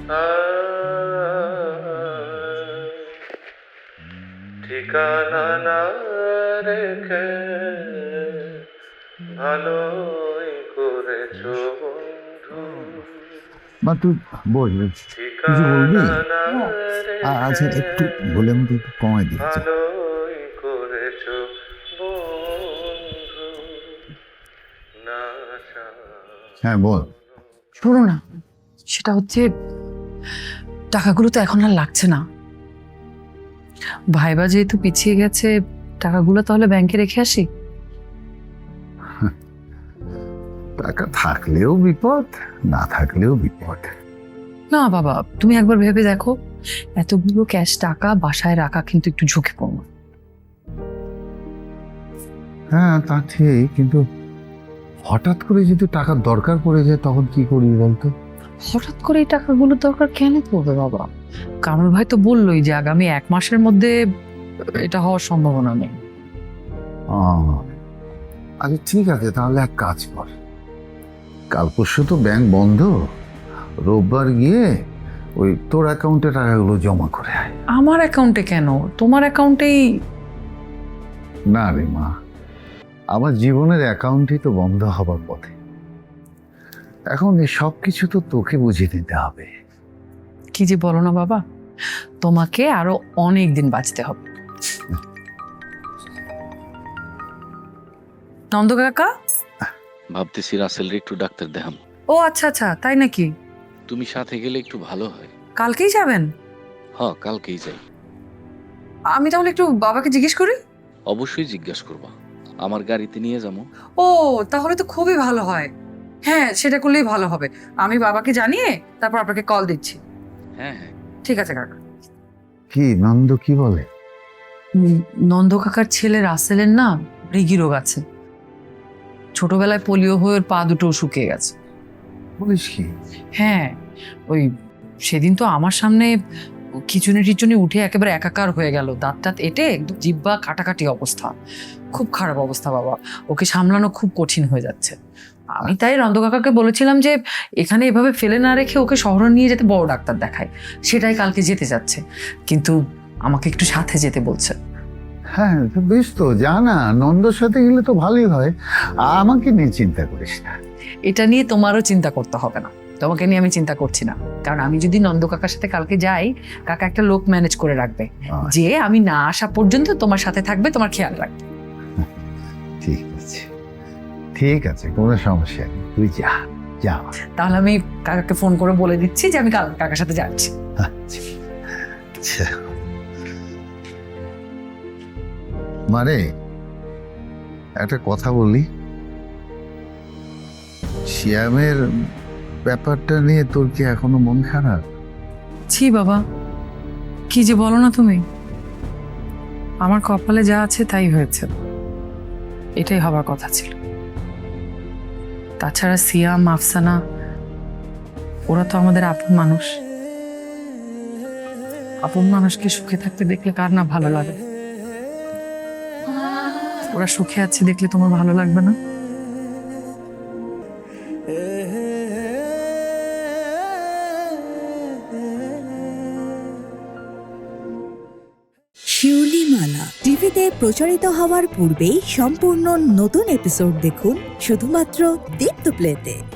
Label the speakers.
Speaker 1: ঠিকানা না রেখে ভালোই করেছো বন্ধু।
Speaker 2: মা তুই বল, কিছু বলবি? আচ্ছা একটু বলে আমাকে একটু কমাই দিচ্ছি।
Speaker 1: ভালোই করেছো বন্ধু।
Speaker 2: হ্যাঁ বল।
Speaker 3: শোনো না, সেটা হচ্ছে টাকাগুলো তো এখন আর লাগছে না। ভাইবা যেহেতু পিছিয়ে গেছে, টাকাগুলো তাহলে ব্যাংকে রেখে আসি।
Speaker 2: টাকা থাকলেও বিপদ, না থাকলেও বিপদ।
Speaker 3: না বাবা, তুমি একবার ভেবে দেখো, এতগুলো ক্যাশ টাকা বাসায় রাখা কিন্তু একটু ঝুঁকিপূর্ণ।
Speaker 2: হ্যাঁ তা ঠিক, কিন্তু হঠাৎ করে যদি টাকার দরকার পড়ে যায় তখন কি করবি বলতো?
Speaker 3: হঠাৎ করে এই টাকাগুলোর দরকার কেন পড়বে বাবা? কামরুল ভাই তো বললোই যে আগামী 1 মাসের মধ্যে এটা হওয়ার সম্ভাবনা নেই।
Speaker 2: আচ্ছা ঠিক আছে, তাহলে এক কাজ কর, কাল পরশু তো ব্যাংক বন্ধ, রোববার গিয়ে ওই তোর অ্যাকাউন্টে টাকাগুলো জমা করে আয়।
Speaker 3: আমার অ্যাকাউন্টে কেন? তোমার অ্যাকাউন্টেই।
Speaker 2: না রে মা, আমার জীবনের অ্যাকাউন্টই তো বন্ধ হবার পথে। এখন এই সব কিছু তো তোকে বুঝিয়ে দিতে হবে।
Speaker 3: কি যে বলো না বাবা, তোমাকে আরো অনেক দিন বাঁচতে হবে। নন্দ কাকা,
Speaker 4: ভাবতেছি রাসেলের একটু ডাক্তার দেখাম।
Speaker 3: ও আচ্ছা আচ্ছা, তাই নাকি?
Speaker 4: তুমি সাথে গেলে একটু ভালো হয়।
Speaker 3: কালকেই যাবেন?
Speaker 4: কালকেই যাই।
Speaker 3: আমি তাহলে একটু বাবাকে জিজ্ঞেস করি।
Speaker 4: অবশ্যই জিজ্ঞাসা করবা, আমার গাড়িতে নিয়ে যাবো।
Speaker 3: ও তাহলে তো খুবই ভালো হয়। হ্যাঁ সেটা করলেই ভালো হবে। আমি বাবাকে জানিয়ে তারপর আপনাকে কল দিচ্ছি।
Speaker 4: হ্যাঁ হ্যাঁ।
Speaker 3: ঠিক আছে কাকা।
Speaker 2: কি নন্দ কি বলে?
Speaker 3: নন্দ কাকার ছেলে রাসেলের না মৃগী রোগ আছে। ছোটবেলায় পোলিও হয়ে ওর পা দুটো শুকিয়ে গেছে।
Speaker 2: বলিস কি?
Speaker 3: হ্যাঁ, ওই সেদিন তো আমার সামনে খিচুনি টিচুনি উঠে একেবারে একাকার হয়ে গেল, দাঁত টাত এঁটে একদম জিব্বা কাটাকাটি অবস্থা। খুব খারাপ অবস্থা বাবা, ওকে সামলানো খুব কঠিন হয়ে যাচ্ছে। আমি তাই নন্দ কাকাকে বলেছিলাম যে এখানে এভাবে ফেলে না রেখে ওকে শহরে নিয়ে যেতে, বড় ডাক্তার দেখায়। সেটাই কালকে যেতে যাচ্ছে, কিন্তু আমাকে একটু সাথে যেতে বলছে।
Speaker 2: হ্যাঁ বেশ, তো জানা নন্দর সাথে গেলে তো ভালোই হয়, আমাকে নিয়ে চিন্তা করিস না।
Speaker 3: এটা নিয়ে তোমারও চিন্তা করতে হবে না, তোমাকে নিয়ে আমি চিন্তা করছি না। কারণ আমি যদি নন্দ কাকার সাথে কালকে যাই, কাকা একটা লোক ম্যানেজ করে রাখবে, যে আমি না আসা পর্যন্ত তোমার সাথে থাকবে, তোমার খেয়াল রাখবে।
Speaker 2: ঠিক আছে ঠিক আছে, কোনো সমস্যা নেই, তুই যা যা।
Speaker 3: তাহলে আমি কাকাকে ফোন করে বলে দিচ্ছি যে আমি কাকার সাথে যাচ্ছি।
Speaker 2: আচ্ছা মানে একটা কথা বলি, শ্যামের ব্যাপারটা নিয়ে তোর কি এখনো মন খারাপ?
Speaker 3: ছি বাবা, কি যে বলো না তুমি। আমার কপালে যা আছে তাই হয়েছে, এটাই হবার কথা ছিল। তাছাড়া সিয়াম আফসানা ওরা তো আমাদের আপন মানুষ। আপন মানুষকে সুখে থাকতে দেখলে কার না ভালো লাগে? ওরা সুখে আছে দেখলে তোমার ভালো লাগবে না?
Speaker 5: শিউলিমালা টিভিতে প্রচারিত হওয়ার পূর্বেই সম্পূর্ণ নতুন এপিসোড দেখুন শুধুমাত্র দীপ্ত প্লেতে।